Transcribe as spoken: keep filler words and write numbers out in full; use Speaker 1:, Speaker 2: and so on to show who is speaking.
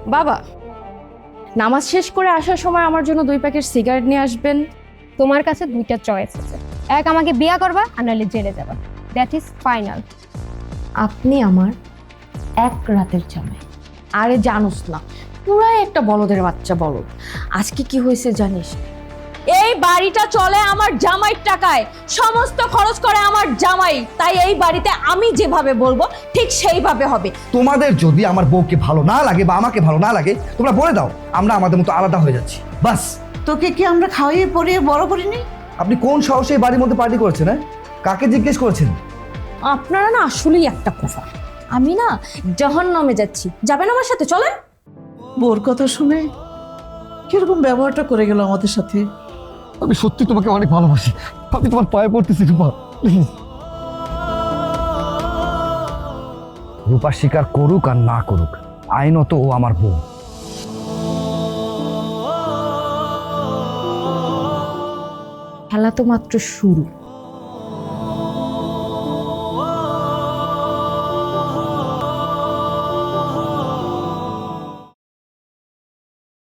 Speaker 1: বাবা, নামাজ শেষ করে আসার সময় আমার জন্য দুই প্যাকেট সিগারেট নিয়ে আসবেন।
Speaker 2: তোমার কাছে দুইটা চয়েস আছে, এক আমাকে বিয়া করবা আর নাহলে জেলে যাবা। That is final.
Speaker 1: আপনি আমার এক রাতের জামাই। আরে জানোস না, পুরাই একটা বলদের বাচ্চা বলদ। আজকে কি হয়েছে জানিস? এই বাড়িটা চলে আমার জামাইয়ের টাকায়, সমস্ত খরচ করে আমার জামাই। তাই এই বাড়িতে আমি যেভাবে বলবো ঠিক সেইভাবে হবে।
Speaker 3: তোমাদের যদি আমার বউকে ভালো না লাগে বা আমাকে ভালো না লাগে, তোমরা বলে দাও, আমরা আমাদের মতো আলাদা হয়ে যাচ্ছি, বাস।
Speaker 4: তোকে কি আমরা খাওয়াইয়ে পরিয়ে বড় করিনি?
Speaker 3: আপনি কোন সাহসে এই বাড়ির মধ্যে পার্টি করেছেন? হ্যাঁ, কাকে জিজ্ঞেস করেছেন?
Speaker 1: আপনারা না আসলেই একটা কোফা। আমি না জাহান্নামে যাচ্ছি, যাবেন আমার সাথে? চলেন।
Speaker 4: বোর কথা শুনে কিরকম ব্যবহারটা করে গেল আমাদের সাথে।
Speaker 3: আমি সত্যি তোমাকে অনেক ভালোবাসি, আমি তোমার পায়ে পড়তেছি রূপা, প্লিজ। রূপা স্বীকার করুক আর না করুক, আইনত ও আমার বউ।
Speaker 1: খেলা তো মাত্র শুরু।